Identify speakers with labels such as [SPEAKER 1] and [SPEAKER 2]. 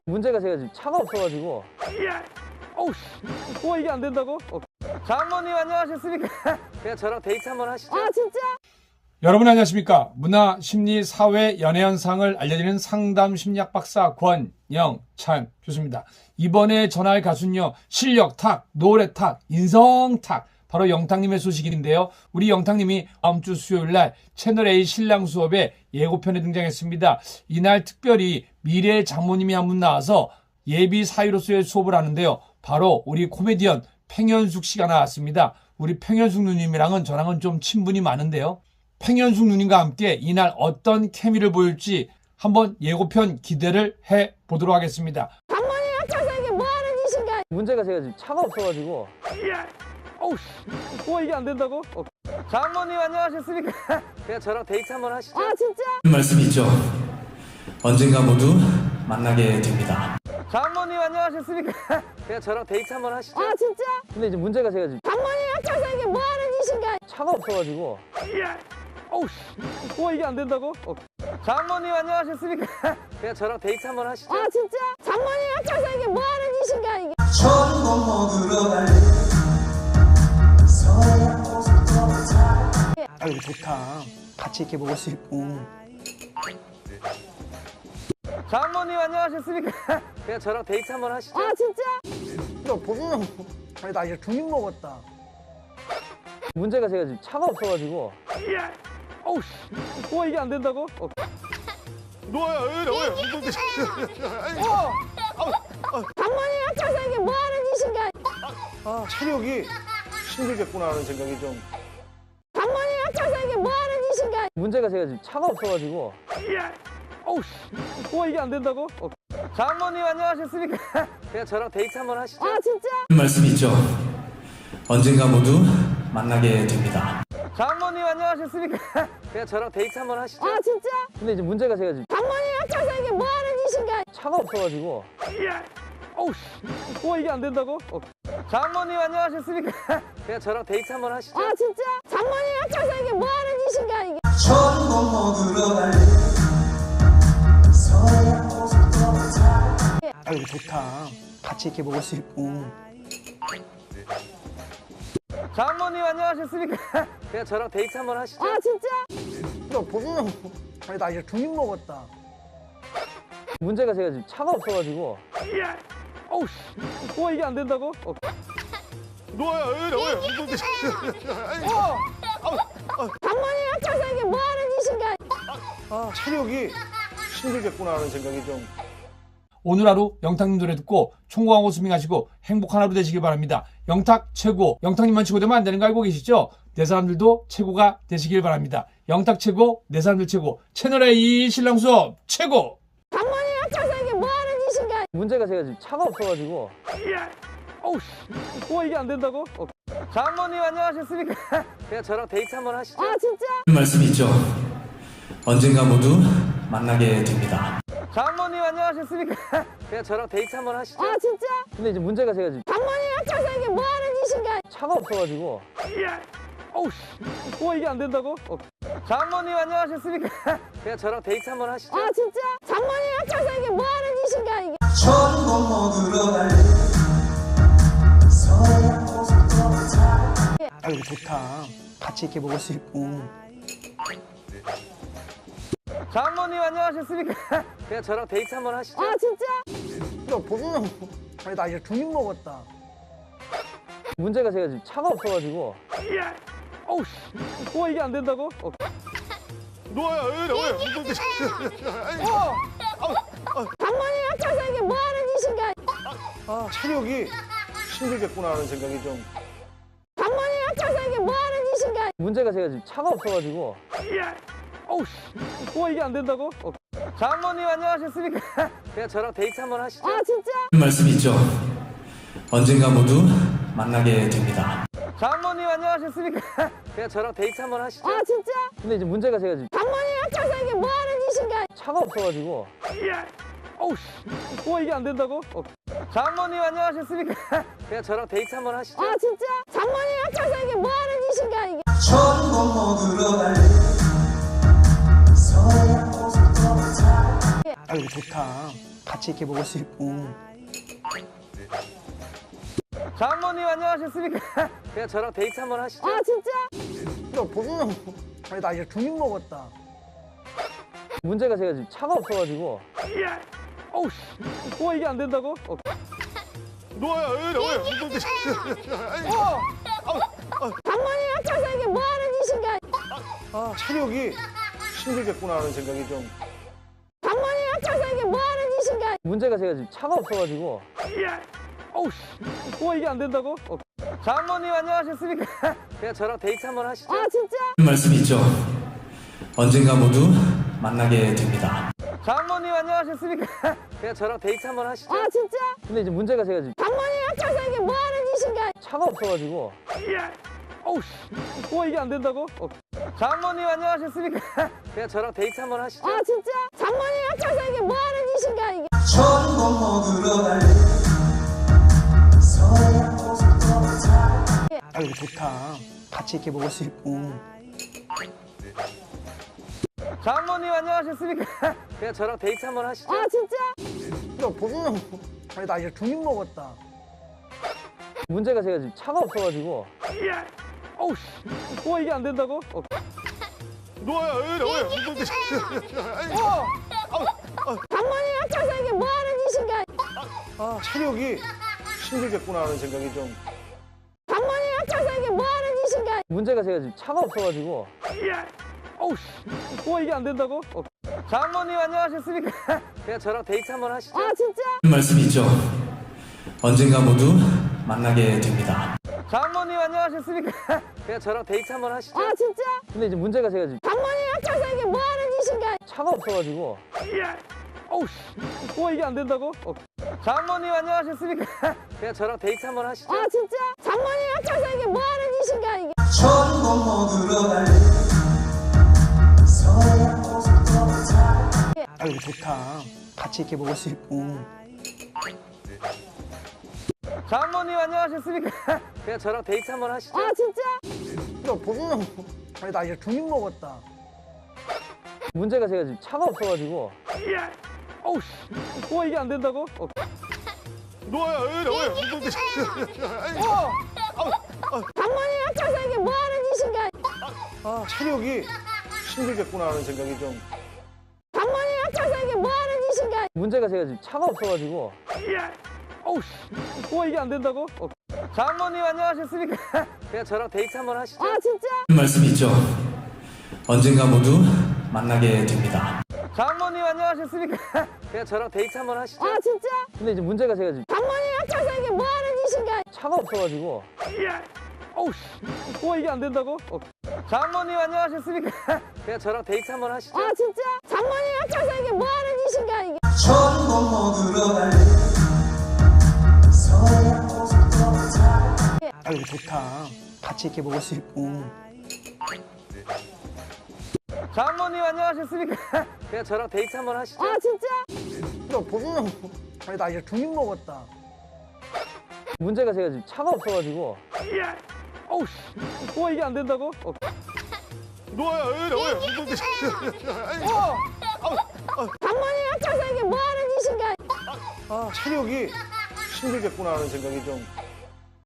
[SPEAKER 1] 문제가 제가 지금 차가 없어가지고. 어우, 와 이게 안 된다고? 장모님 안녕하셨습니까? 그냥 저랑 데이트 한번 하시죠.
[SPEAKER 2] 아 진짜?
[SPEAKER 3] 여러분 안녕하십니까? 문화, 심리, 사회, 연애 현상을 알려드리는 상담 심리학 박사 권영찬 교수입니다. 이번에 전화할 가수는요, 실력 탁, 노래 탁, 인성 탁, 바로 영탁님의 소식인데요. 우리 영탁님이 다음 주 수요일 날 채널A 신랑 수업에 예고편에 등장했습니다. 이날 특별히 미래의 장모님이 한 분 나와서 예비 사위로서의 수업을 하는데요. 바로 우리 코미디언 팽현숙 씨가 나왔습니다. 우리 팽현숙 누님이랑은 저랑은 좀 친분이 많은데요. 팽현숙 누님과 함께 이날 어떤 케미를 보일지 한번 예고편 기대를 해보도록 하겠습니다.
[SPEAKER 2] 장모님 앞에서 이게 뭐하는 짓인가?
[SPEAKER 1] 문제가 제가 지금 차가 없어가지고. 어우, 와 이게 안 된다고? 장모님 안녕하셨습니까? 그냥 저랑 데이트 한번 하시죠.
[SPEAKER 2] 아 진짜?
[SPEAKER 4] 말씀이 있죠. 언젠가 모두 만나게 됩니다.
[SPEAKER 1] 장모님 안녕하셨습니까? 그냥 저랑 데이트 한번 하시죠.
[SPEAKER 2] 아 진짜?
[SPEAKER 1] 근데 이제 문제가 제가 지금
[SPEAKER 2] 장모님 앞에서 이게 뭐하는 짓인가?
[SPEAKER 1] 차가 없어가지고. 어우, 와 이게 안 된다고? 장모님 안녕하셨습니까? 그냥 저랑 데이트 한번 하시죠.
[SPEAKER 2] 아 진짜? 장모님 앞에서 이게 뭐하는 짓인가? 이게
[SPEAKER 5] 전복 먹으러 갈래.
[SPEAKER 6] 아 이거 좋다. 같이 이렇게 먹을 수 있고.
[SPEAKER 1] 장모님 안녕하셨습니까? 그냥 저랑 데이트 한번 하시죠.
[SPEAKER 2] 아 진짜?
[SPEAKER 6] 야 보면 아니 나 이제 두입 먹었다.
[SPEAKER 1] 문제가 제가 지금 차가 없어가지고. 어우, 와 이게 안 된다고?
[SPEAKER 2] 장모님 앞에서 이게 뭐하는 짓인가?
[SPEAKER 5] 체력이 힘들겠구나 하는 생각이 좀.
[SPEAKER 2] 장모님 앞에서 이게 뭐하는 짓인가?
[SPEAKER 1] 문제가 제가 지금 차가 없어가지고. 어우, 와 이게 안 된다고? 장모님 안녕하셨습니까? 그냥 저랑 데이트 한번 하시죠.
[SPEAKER 2] 아 진짜?
[SPEAKER 4] 말씀이 있죠. 언젠가 모두 만나게 됩니다.
[SPEAKER 1] 장모님 안녕하셨습니까? 그냥 저랑 데이트 한번 하시죠.
[SPEAKER 2] 아 진짜?
[SPEAKER 1] 근데 이제 문제가 제가 지금
[SPEAKER 2] 장모님 앞에서 이게 뭐하는 짓인가?
[SPEAKER 1] 차가 없어가지고. 어우, 와 이게 안 된다고? 장모님 안녕하셨습니까? 그냥 저랑 데이트 한번 하시죠.
[SPEAKER 2] 아 진짜? 장모님 앞에서 이게 뭐하는 짓인가? 이게
[SPEAKER 5] 전복 먹으러 갈래.
[SPEAKER 6] 아 이거 좋다. 같이 이렇게 먹을 수 있고.
[SPEAKER 1] 장모님 안녕하셨습니까? 그냥 저랑 데이트 한번 하시죠.
[SPEAKER 2] 아 진짜?
[SPEAKER 6] 야 보면 아니 나 이제 두입 먹었다.
[SPEAKER 1] 문제가 제가 지금 차가 없어가지고. 어우, 와 이게 안 된다고?
[SPEAKER 2] 장모님 앞에서 이게 뭐하는 짓인가?
[SPEAKER 5] 체력이 힘들겠구나 하는 생각이 좀.
[SPEAKER 3] 오늘 하루 영탁님 노래 듣고 총공하고 스밍하시고 행복한 하루 되시길 바랍니다. 영탁 최고. 영탁님만 최고 되면 안 되는 거 알고 계시죠? 내 사람들도 최고가 되시길 바랍니다. 영탁 최고, 내 사람들 최고. 채널A 신랑 수업 최고.
[SPEAKER 2] 장모님 앞에서 이게 뭐하는 짓인가?
[SPEAKER 1] 문제가 제가 지금 차가 없어가지고. 어우, 와 이게 안 된다고? 장모님 안녕하셨습니까? 그냥 저랑 데이트 한번 하시죠.
[SPEAKER 2] 아 진짜?
[SPEAKER 4] 말씀이 있죠. 언젠가 모두 만나게 됩니다.
[SPEAKER 1] 장모님 안녕하셨습니까? 그냥 저랑 데이트 한번 하시죠.
[SPEAKER 2] 아 진짜?
[SPEAKER 1] 근데 이제 문제가 제가 지금
[SPEAKER 2] 장모님 앞에서 이게 뭐하는 짓인가?
[SPEAKER 1] 차가 없어가지고. 어우, 와 이게 안 된다고? 장모님 안녕하셨습니까? 그냥 저랑 데이트 한번 하시죠.
[SPEAKER 2] 아 진짜? 장모님 앞에서 이게 뭐하는 짓인가? 이게
[SPEAKER 5] 전복 먹으러 갈래.
[SPEAKER 6] 아 이거 좋다. 같이 이렇게 먹을 수 있고.
[SPEAKER 1] 장모님 안녕하셨습니까? 그냥 저랑 데이트 한번 하시죠.
[SPEAKER 2] 아 진짜?
[SPEAKER 6] 야 보면 아니 나 이제 두입 먹었다.
[SPEAKER 1] 문제가 제가 지금 차가 없어가지고. 어우, 와 이게 안 된다고?
[SPEAKER 2] 장모님 앞에서 이게 뭐하는 짓인가?
[SPEAKER 5] 체력이 힘들겠구나 하는 생각이 좀.
[SPEAKER 2] 장모님 앞에서 이게 뭐하는 짓인가?
[SPEAKER 1] 문제가 제가 지금 차가 없어가지고. 어우, 와 이게 안 된다고? 장모님 안녕하셨습니까? 그냥 저랑 데이트 한번 하시죠.
[SPEAKER 2] 아 진짜?
[SPEAKER 4] 말씀이 있죠. 언젠가 모두 만나게 됩니다.
[SPEAKER 1] 장모님 안녕하셨습니까? 그냥 저랑 데이트 한번 하시죠.
[SPEAKER 2] 아 진짜?
[SPEAKER 1] 근데 이제 문제가 제가 지금
[SPEAKER 2] 장모님 앞에서 이게 뭐하는 짓인가?
[SPEAKER 1] 차가 없어가지고. 어우, 와 이게 안 된다고? 장모님 안녕하셨습니까? 그냥 저랑 데이트 한번 하시죠.
[SPEAKER 2] 아 진짜? 장모님 앞에서 이게 뭐하는 짓인가? 이게
[SPEAKER 5] 전복 먹으러 갈래.
[SPEAKER 6] 아 이거 좋다. 같이 이렇게 먹을 수 있고.
[SPEAKER 1] 장모님 안녕하셨습니까? 그냥 저랑 데이트 한번 하시죠.
[SPEAKER 2] 아 진짜?
[SPEAKER 6] 야 보소는 아니 나 이제 중입 먹었다.
[SPEAKER 1] 문제가 제가 지금 차가 없어가지고. 어우 씨. 이게 안 된다고?
[SPEAKER 5] 노아야, 왜?
[SPEAKER 2] 장모님 앞에서 이게 뭐 하는 짓인가?
[SPEAKER 5] 체력이 힘들겠구나 하는 생각이 좀.
[SPEAKER 2] 장모님 앞에서 이게 뭐 하는 짓인가?
[SPEAKER 1] 문제가 제가 지금 차가 없어가지고. 어우 씨. 이게 안 된다고? 장모님 안녕하셨습니까? 그냥 저랑 데이트 한번 하시죠.
[SPEAKER 2] 아 진짜?
[SPEAKER 4] 말씀 있죠. 언젠가 모두 만나게 됩니다.
[SPEAKER 1] 장모님 안녕하셨습니까? 그냥 저랑 데이트 한번 하시죠.
[SPEAKER 2] 아 진짜?
[SPEAKER 1] 근데 이제 문제가 제가 지금
[SPEAKER 2] 장모님 앞에서 이게 뭐 하는 짓인가?
[SPEAKER 1] 차가 없어가지고. 어우 씨. 이게 안 된다고? 장모님 안녕하셨습니까? 그냥 저랑 데이트 한번 하시죠.
[SPEAKER 2] 아 진짜? 장모님 앞에서 이게 뭐 하는 짓인가? 이게
[SPEAKER 5] 전복 먹으러 갈래.
[SPEAKER 6] 아 이거 좋다. 같이 이렇게 먹을 수 있고.
[SPEAKER 1] 장모님 안녕하셨습니까? 그냥 저랑 데이트 한번 하시죠.
[SPEAKER 2] 아 진짜?
[SPEAKER 6] 야 보소는 아니 나 이제 중입 먹었다.
[SPEAKER 1] 문제가 제가 지금 차가 없어가지고. 어우 씨. 이게 안 된다고?
[SPEAKER 5] 노아야, 왜?
[SPEAKER 2] 장모님 앞에서 이게 뭐 하는 짓인가?
[SPEAKER 5] 체력이 힘들겠구나 하는 생각이 좀.
[SPEAKER 2] 장모님 앞에서 이게 뭐 하는 짓인가?
[SPEAKER 1] 문제가 제가 지금 차가 없어가지고. 어우 씨. 이게 안 된다고? 장모님 안녕하셨습니까? 그냥 저랑 데이트 한번 하시죠.
[SPEAKER 2] 아 진짜?
[SPEAKER 4] 말씀 있죠. 언젠가 모두 만나게 됩니다.
[SPEAKER 1] 장모님 안녕하셨습니까? 그냥 저랑 데이트 한번 하시죠.
[SPEAKER 2] 아 진짜?
[SPEAKER 1] 근데 이제 문제가 제가 지금
[SPEAKER 2] 장모님 앞에서 이게 뭐 하는 짓인가?
[SPEAKER 1] 차가 없어가지고. 어우 씨. 이게 안 된다고? 장모님 안녕하셨습니까? 그냥 저랑 데이트 한번 하시죠.
[SPEAKER 2] 아 진짜? 장모님 앞에서 이게 뭐 하는 짓인가? 이게
[SPEAKER 5] 전복 먹으러 갈래.
[SPEAKER 6] 아 이거 좋다. 같이 이렇게 먹을 수 있고.
[SPEAKER 1] 장모님 안녕하셨습니까? 그냥 저랑 데이트 한번 하시죠.
[SPEAKER 2] 아 진짜?
[SPEAKER 6] 야 보소는 아니 나 이제 중입 먹었다.
[SPEAKER 1] 문제가 제가 지금 차가 없어가지고. 어우 씨. 이게 안 된다고?
[SPEAKER 5] 노아야, 왜?
[SPEAKER 2] 장모님 앞에서 이게 뭐 하는 짓인가?
[SPEAKER 5] 체력이 힘들겠구나 하는 생각이 좀.
[SPEAKER 2] 장모님 앞에서 이게 뭐 하는 짓인가?
[SPEAKER 1] 문제가 제가 지금 차가 없어가지고. 어우 씨. 이게 안 된다고? 장모님 안녕하셨습니까? 그냥 저랑 데이트 한번 하시죠.
[SPEAKER 2] 아 진짜?
[SPEAKER 4] 말씀 있죠. 언젠가 모두 만나게 됩니다.
[SPEAKER 1] 장모님 안녕하셨습니까? 그냥 저랑 데이트 한번 하시죠.
[SPEAKER 2] 아 진짜?
[SPEAKER 1] 근데 이제 문제가 제가 지금
[SPEAKER 2] 장모님 앞에서 이게 뭐 하는 짓인가?
[SPEAKER 1] 차가 없어가지고. 어우 씨. 이게 안 된다고? 장모님 안녕하셨습니까? 그냥 저랑 데이트 한번 하시죠.
[SPEAKER 2] 아 진짜? 장모님 앞에서 이게 뭐 하는 짓인가? 이게
[SPEAKER 5] 전복 먹으러 갈래.
[SPEAKER 6] 아 이거 좋다. 같이 이렇게 먹을 수 있고.
[SPEAKER 1] 장모님 안녕하셨습니까? 그냥 저랑 데이트 한번 하시죠.
[SPEAKER 2] 아 진짜?
[SPEAKER 6] 야 보소는 아니 나 이제 중입 먹었다.
[SPEAKER 1] 문제가 제가 지금 차가 없어가지고. 어우 씨. 이게 안 된다고?
[SPEAKER 5] 노아야, 왜?
[SPEAKER 2] 장모님 앞에서 이게 뭐 하는 짓인가?
[SPEAKER 5] 체력이 힘들겠구나 하는 생각이 좀.